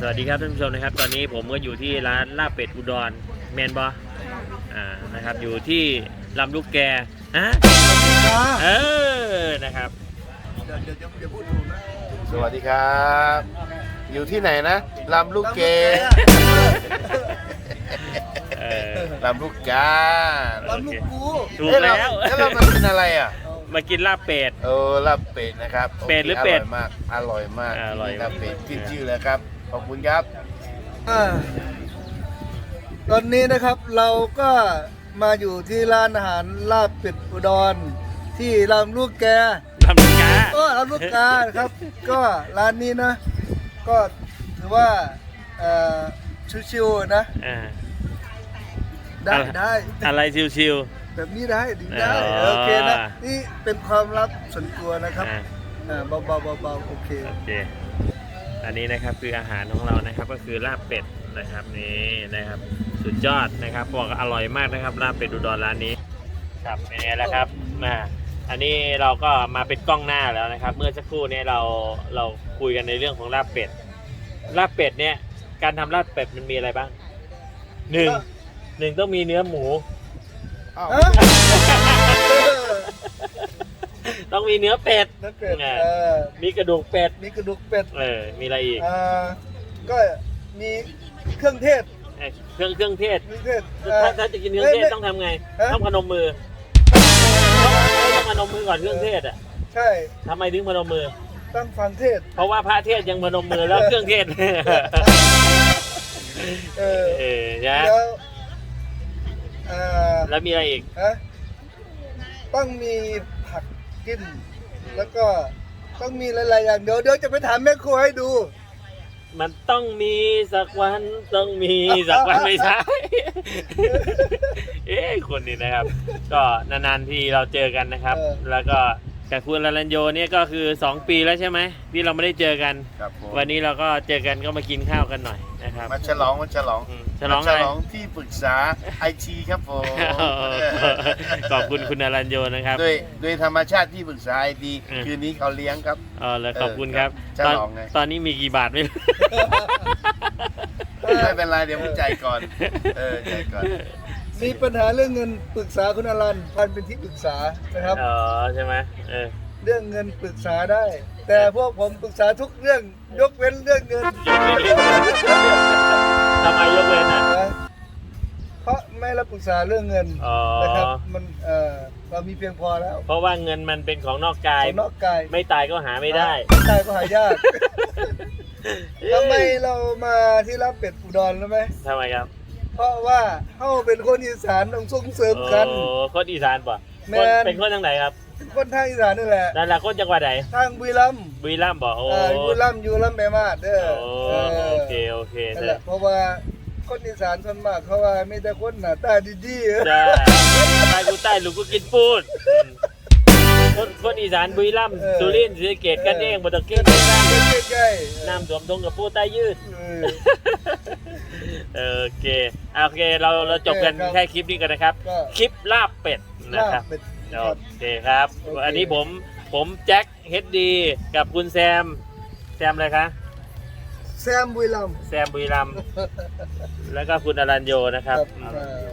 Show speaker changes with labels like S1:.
S1: สวัสดีครับท่านผู้ชมนะครับตอนนี้ผมก็อยู่ที่ร้านลาบเป็ดอุดรแมนบอนะครับอยู่ที่ลำลูกแกฮะนะครับ
S2: เดี๋ยวพูดถูกนะ
S3: สวัสดีครับ อยู่ที่ไหนนะลำลูกเกลำลูกกา
S2: ลำลูกกู
S1: ถูกแล้ว
S3: แล้วเรามากินอะไรอ่ะ
S1: มากินลาบเป็ด
S3: ลาบเป็ดนะครับ
S1: เป็ดหรือเป็ด
S3: อร่อยมาก
S1: อร่อยมาก
S3: ลาบเป็ดขึ้นชื่อเลยครับขอบคุณครับ
S2: ตอนนี้นะครับเราก็มาอยู่ที่ร้านอาหารลาบเป็ดอุดรที่ลำลูกแก
S1: ลำลูกกา
S2: ลำลูกกานะครับ ก็ร้านนี้นะ ก็ถือว่าชิวๆนะ ได้
S1: อะไรชิว
S2: แบบนี้ได้ดีได้
S1: อ๋อ
S2: โอเคนะนี่เป็นความลับส่วนตัวนะครับ
S1: ๆ
S2: เบาๆโอเค
S1: โอเคอันนี้นะครับคืออาหารของเรานะครับก็คือลาบเป็ดนะครับนี่นะครับสุดยอดนะครับบอกอร่อยมากนะครับลาบเป็ดอุดรร้านนี้ครับเป็นไงล่ะครับอันนี้เราก็มาเป็นกล้องหน้าแล้วนะครับ เมื่อสักครู่นี้เราคุยกันในเรื่องของลาบเป็ดเนี่ยการทำลาบเป็ดมันมีอะไรบ้างหนึ่งต้องมีเนื้อหมู ต้องมีเนื้อเป็ด
S2: นักเป็ด
S1: มีกระดูกเป็ด
S2: มีกระดูกเป็ด
S1: มีอะไรอีก
S2: ก็มีเครื่องเทศ
S1: เครื่องเทศ
S2: เครื่องเทศ
S1: ถ้าจะกินเครื่องเทศต้องทำไง ต้องพนมมือต้องพนมมือก่อนเครื่องเทศอ่ะ
S2: ใช่
S1: ทำไมถึงพนมมือ
S2: ต้องฟังเทศ
S1: เพราะว่าพระเทศยังพนมมือแล้วเครื่องเทศนะ แล้วมีอะไรอีก
S2: ต้องมีผักกิน แล้วก็ต้องมีหลายๆอย่างเดี๋ยวจะไปถามแม่ครัวให้ดู
S1: มันต้องมีสักวันต้องมีสักวันไม่ใช่ คนนี้นะครับ ก็นานๆที่เราเจอกันนะครับ แล้วก็กับคุณลาลันโยเนี่ยก็คือ2 ปีแล้วใช่ไหมที่เราไม่ได้เจอกัน
S3: ครับผม
S1: วันนี้เราก็เจอกันก็มากินข้าวกันหน่อยนะครับ
S3: มาฉลอง
S1: ฉลองอะไร
S3: ที่ปรึกษาไอทีครับผม
S1: ขอบคุณคุณลาลันโยนะครับ
S3: โดยธรรมชาติที่ปรึกษาไอทีคืนนี้เขาเลี้ยงครับ
S1: แล้วขอบคุณครับ
S3: ฉลองไง
S1: ตอนนี้มีกี่บาทไม่รู้
S3: ไม่เป็นไรเดี๋ยวผมจ่ายก่อนจ่ายก่อน
S2: มีปัญหาเรื่องเงินปรึกษาคุณอรันพันเป็นที่ปรึกษานะครับ
S1: ใช่ไหม
S2: เรื่องเงินปรึกษาได้ แต่พวกผมปรึกษาทุกเรื่องยกเว้นเรื่องเงิน
S1: ทำไมยกเว้นอ่ะ
S2: เพราะไม่รับปรึกษาเรื่องเงินนะครับมันเรามีเพียงพอแล้ว
S1: เพราะว่าเงินมันเป็นของนอกกาย
S2: ของนอกกาย
S1: ไม่ตายก็หาไม่ได้
S2: ไม่ตายก็หายากทำไมเรามาที่รับเป็ดอุดรรู้ไหม
S1: ทำไมครับ
S2: เพราะว่าเขาเป็นคนอีสานต้องส่งเสริมกัน
S1: คนอีสานป่ะ
S2: แม่น
S1: เป็นคนทางไหนครับ
S2: เป็นคนทางอีสานนี่แหละ
S1: นั่นแหละคนจังหวัดไหน
S2: ทางบุรีรัมย์
S1: บุรีรัมย์ป่ะโอ้
S2: บุรีรัมย์อยู่ลำแม่มาดเด้อ
S1: โอเค
S2: นั่นแหละเพราะว่าคนอีสานส่วนมากเขาว่ามีแต่คนหน้าตาดีๆ
S1: จ้าตายกูใต้ลูกกูกินปูนคนอีสานบุรีรัมย์สุรินทร์ศรีสะเกษกันเองบ่ต้องเก่ง
S2: ใกล้
S1: น้ำท่วมทงกับปูใต้ยืด
S2: ๆ
S1: โอเคเราจบกันแค่คลิปนี้กันนะครับ คลิปลาบเป็ดนะครับโอเคครับอันนี้ผมแจ็คเฮดดีกับคุณแซมอะไรคะ
S2: แซมบุรีรัมย์
S1: แซมบุรีรัมย์แล้วก็คุณอรัญโยนะครับ
S2: ครับ